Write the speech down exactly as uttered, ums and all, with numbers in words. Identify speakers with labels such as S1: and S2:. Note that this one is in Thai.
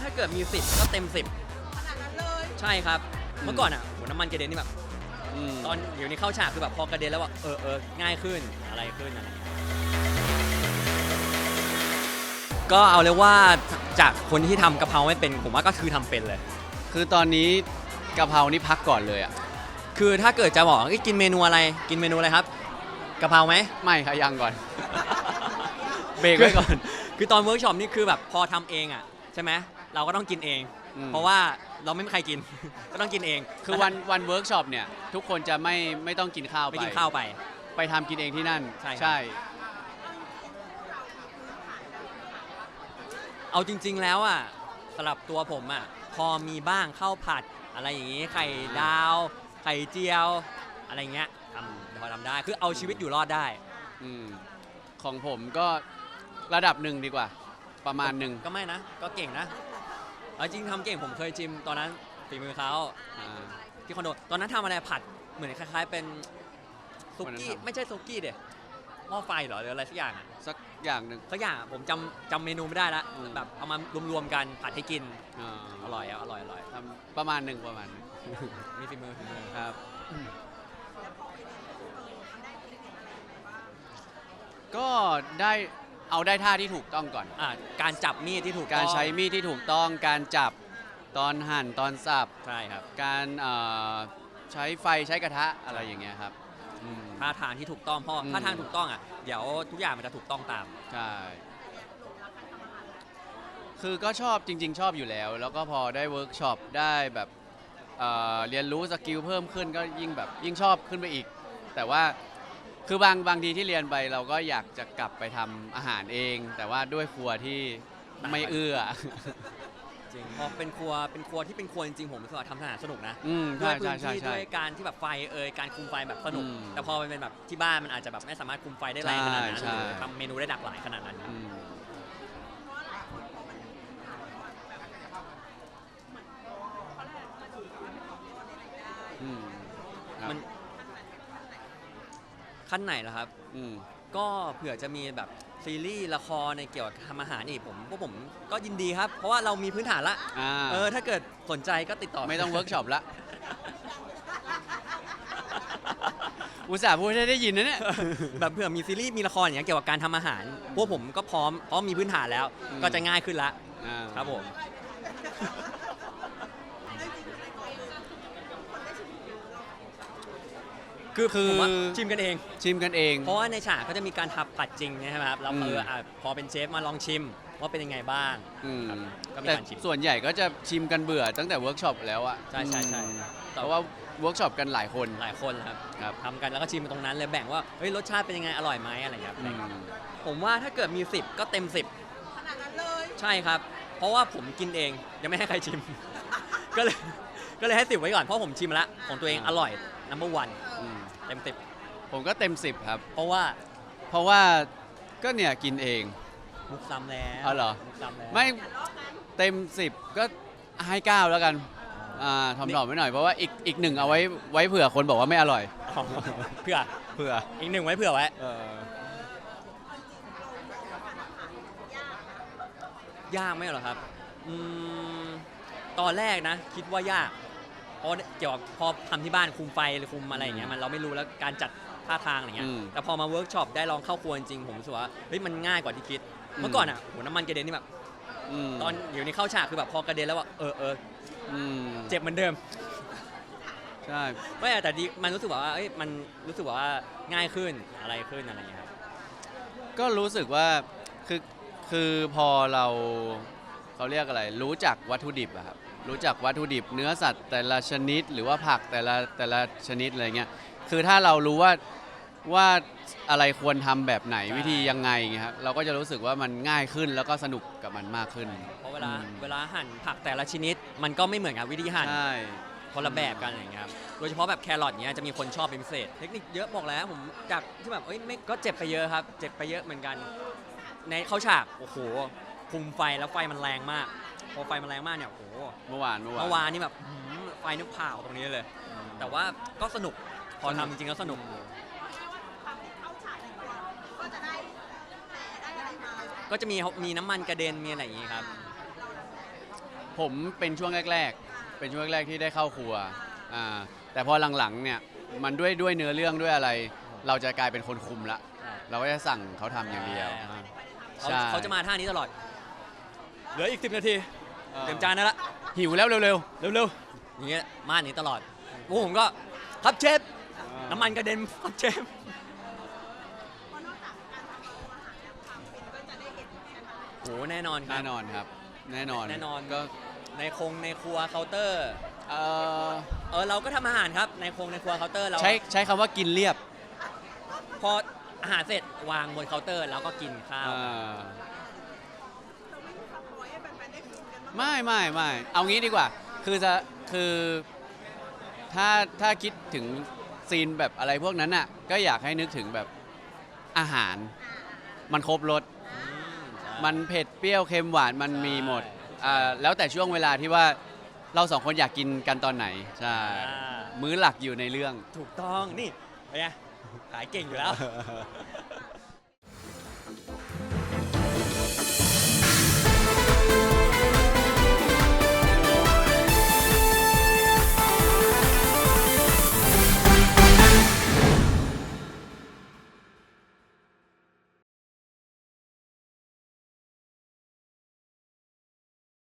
S1: ถ้าเกิดมีสิบก็เต็มสิบ
S2: ขนาดนั้นเลย
S1: ใช่ครับเมื่อก่อนอ่ะโหน้ำมันกระเด็นนี่แบบตอนเดี๋ยวนี้เข้าฉากคือแบบพอกระเด็นแล้วว่าเออเออง่ายขึ้นอะไรขึ้นอะไรอย่างเงี้ยก็เอาเลยว่าจากคนที่ทำกะเพราไม่เป็นผมว่าก็คือทำเป็นเลย
S3: คือตอนนี้กะเพรานี่พักก่อนเลยอ่ะ
S1: คือถ้าเกิดจะบอกกินเมนูอะไรกินเมนูอะไรครับกะเพราไหม
S3: ไม่ค่ะยังก่อนเบรกไว้ก่อน
S1: คือตอนเวิร์กช็อปนี่คือแบบพอทำเองอ่ะใช่ไหมเราก็ต้องกินเองเพราะว่าเราไม่มีใครกินก็ต้องกินเอง
S3: คือวันวันเวิร์กช็อปเนี่ยทุกคนจะไม่ไม่ต้องกินข้าวไป
S1: ไม่กินข้าวไป
S3: ไปทำกินเองที่นั่น
S1: ใช่
S3: ใช่
S1: เอาจริงๆแล้วอ่ะสำหรับตัวผมอ่ะพอมีบ้างข้าวผัดอะไรอย่างงี้ไข่ดาวไข่เจียวอะไรเงี้ยทำพอทำได้คือเอาชีวิตอยู่รอดได้
S3: อืมของผมก็ระดับหนึ่งดีกว่าประมาณหนึ่ง
S1: ก็ไม่นะก็เก่งนะเอาจริงทำเก่งผมเคยชิมตอนนั้นฝีมือเขาที่คอนโดตอนนั้นทำอะไรผัดเหมือนคล้ายๆเป็นซุกี้ไม่ใช่ซุกี้เด็ดหม้อไฟเหรอหรืออะไรสักอย่างอ่ะ
S3: สักอย่างหนึ่ง
S1: สักอย่างผมจำจำเมนูไม่ได้ละแบบเอามารวมๆกันผัดให้กินอร่อยอ่ะอร่อยอร่อย
S3: ทำประมาณหนึ่งประมาณ
S1: มีฝีมือฝีมือ
S3: ครับก็ได้เอาได้ท่าที่ถูกต้องก่อน
S1: อ่าการจับมีดที่ถูก
S3: การใช้มีดที่ถูกต้องการจับตอนหั่นตอนสับ
S1: ใช่ครับ
S3: การใช้ไฟใช้กระทะอะไรอย่างเงี้ยครับ
S1: ท่าทางที่ถูกต้องเพราะท่าทางถูกต้องอ่ะเดี๋ยวทุกอย่างมันจะถูกต้องตาม
S3: ใช่คือก็ชอบจริงๆชอบอยู่แล้วแล้วก็พอได้เวิร์กช็อปได้แบบเอ่อเรียนรู้สกิลเพิ่มขึ้นก็ยิ่งแบบยิ่งชอบขึ้นไปอีกแต่ว่าคือบางบางทีที่เรียนไปเราก็อยากจะกลับไปทำอาหารเองแต่ว่าด้วยครัวที่ไม่เอื้อ
S1: จริงพอเป็นครัวเป็นครัวที่เป็นครัวจริงๆผมรู้สึกว่าทำอาหารสนุกนะ
S3: ด้วย
S1: พื้นที่ด้วยการที่แบบไฟเอ่ยการคุมไฟแบบสนุกแต่พอมันเป็นแบบที่บ้านมันอาจจะแบบไม่สามารถคุมไฟได้แรงขนาดนั้นหรือทำเมนูได้หลากหลายขนาดนั้นมันขั้นไหนล่ะครับก็เผื่อจะมีแบบซีรีส์ละครในเกี่ยวกับทำอาหารอีกผมพวกผมก็ยินดีครับเพราะว่าเรามีพื้นฐานละเออถ้าเกิดสนใจก็ติดต่อ
S3: ไม่ต้องเวิร์กช็อปละอุตส่าห์พูดให้ได้ยินนะเนี่ย
S1: แบบเผื่อมีซีรีส์มีละครอย่างเงี้ยเกี่ยวกับการทำอาหารพวกผมก็พร้อมเพราะมีพื้นฐานแล้วก็จะง่ายขึ้นละครับผมคือคือชิมกันเอง
S3: ชิมกันเอง
S1: เพราะว่าในฉากก็จะมีการทับผัดจริงใช่ไหมครับเราเออพอเป็นเชฟมาลองชิมว่าเป็นยังไงบ้าง
S3: ก็มีการชิมส่วนใหญ่ก็จะชิมกันเบื่อตั้งแต่เวิร์กช็อปแล้วอะ
S1: ใช่ใช่ใช่
S3: เพราะว่าเวิร์กช็อปกันหลายคน
S1: หลายคนครับทำกันแล้วก็ชิมตรงนั้นเลยแบ่งว่าเฮ้ยรสชาติเป็นยังไงอร่อยไหมอะไรอย่างเงี้ยผมว่าถ้าเกิดมีสิบก็เต็มสิบ
S2: ขนาดนั้นเลย
S1: ใช่ครับเพราะว่าผมกินเองยังไม่ให้ใครชิมก็เลยก็เลยให้สิบไว้ก่อนเพราะผมชิมแล้วของตัวเองอร่อย นัมเบอร์ วันเต็มสิบ
S3: ผมก็เต็มสิบครับ
S1: เพราะว่า
S3: เพราะว่าก็เนี่ยกินเอง
S1: มุกซ้ำแล้ว
S3: อ๋อเหรอ
S1: มุกซ้ำแล้ว
S3: ไม่เต็มสิบก็ให้เก้าแล้วกันอ่าทำหน่อไว้หน่อยเพราะว่าอีกอีกหนึ่งเอาไว้ไว้เผื่อคนบอกว่าไม่อร่อย
S1: เผื่อ
S3: เผื่อ
S1: อีกหนึ่งไว้เผื่อไว้ยากไหมเหรอครับอืมตอนแรกนะคิดว่ายากเพราะเกี่ยวกับพอทำที่บ้านคุมไฟหรือคุมอะไรอย่างเงี้ยมันเราไม่รู้แล้วการจัดท่าทางอะไรเงี้ยแต่พอมาเวิร์กช็อปได้ลองเข้าครัวจริงผมรู้สึกว่าเฮ้ยมันง่ายกว่าที่คิดเมื่อก่อนอ่ะโหน้ำมันกระเด็นนี่แบบตอนเดี๋ยวนี้เข้าฉากคือแบบพอกระเด็นแล้วว่าเออเออเจ็บเหมือนเดิม
S3: ใช่
S1: ไม่แต่ดีมันรู้สึกว่าเอ้ยมันรู้สึกว่าง่ายขึ้นอะไรขึ้นอะไรอย่างเงี้ยครับ
S3: ก็รู้สึกว่าคือคือพอเราเขาเรียกอะไรรู้จักวัตถุดิบอะครับรู้จักวัตถุดิบเนื้อสัตว์แต่ละชนิดหรือว่าผักแต่ละแต่ละชนิดอะไรเงี้ยคือถ้าเรารู้ว่าว่าอะไรควรทำแบบไหนวิธียังไงเงี้ยครับเราก็จะรู้สึกว่ามันง่ายขึ้นแล้วก็สนุกกับมันมากขึ้น
S1: เพราะเวลาเวลาหั่นผักแต่ละชนิดมันก็ไม่เหมือนกับวิธีหั่น
S3: ใช่
S1: คนละแบบกันอย่างเงี้ยครับโดยเฉพาะแบบแครอทเงี้ยจะมีคนชอบเป็นพิเศษเทคนิคเยอะบอกแล้วผมจากที่แบบเอ้ยไม่ก็เจ็บไปเยอะครับเจ็บไปเยอะเหมือนกันในเข้าฉากโอ้โหคุมไฟแล้วไฟมันแรงมากพอไฟมันแรงมากเนี่ยโอ้โห
S3: เมื่อวาน
S1: เมื่อวานนี่แบบไฟนึกเผาตรงนี้เลยแต่ว่าก็สนุกพอทำจริงๆก็สนุกก็จะมีมีน้ำมันกระเด็นมีอะไรอย่างงี้ครับ
S3: ผมเป็นช่วงแรกๆ เป็นช่วงแรกๆที่ได้เข้าครัวอ่าแต่พอหลังๆเนี่ยมันด้วยด้วยเนื้อเรื่องด้วยอะไร เราจะกลายเป็นคนคุมละ เราก็จะสั่งเขาทำอย่างเดียว
S1: เขา
S3: ใช่
S1: เขาจะมาท่านี้ตลอด เหลืออีกสิบนาทีเตรียมจานได้ละ
S3: หิวแล้วเร็ว
S1: เร็วๆอย่างเงี้ยมาหนีตลอดพวกผมก็ครับเชฟ
S3: ๆ
S1: น้ำมันกระเด็นครับเชฟ
S2: เพราะนอกจากการทำเมนูอาหารแล้วความฟินก็จะได้เห็นใช่ไหม
S1: โหแน่นอนครั
S3: แน่
S1: บ
S3: นอนครับ แน่นอน
S1: แน่นอน
S3: ก็
S1: ในคงในครัวเคาน์เตอร์
S3: เอ่อ
S1: เออเราก็ทำอาหารครับในคงในครัวเคาน์เตอร์เรา
S3: ใช้ใช้คำว่ากินเรียบ
S1: พออาหารเสร็จวางบนเคาน์เตอร์แล้วก็กินข้าว
S3: อ่า
S2: เราไม่มีสปอยให้แฟนๆได้ฟินกันบ้าง
S3: ไม่ไม่ไม่เอางี้ดีกว่า คือจะคือถ้าถ้าคิดถึงซีนแบบอะไรพวกนั้นน่ะก็อยากให้นึกถึงแบบอาหาร มันครบรส
S1: อืมใช่
S3: มันเผ็ดเปรี้ยวเค็มหวานมัน
S1: ใช่
S3: มีหมดอ่าแล้วแต่ช่วงเวลาที่ว่าเราสองคนอยากกินกันตอนไหนใช่
S1: อ่า
S3: มื้อหลักอยู่ในเรื่อง
S1: ถูกต้องนี่เป็นไงขายเก่งอยู่แล้ว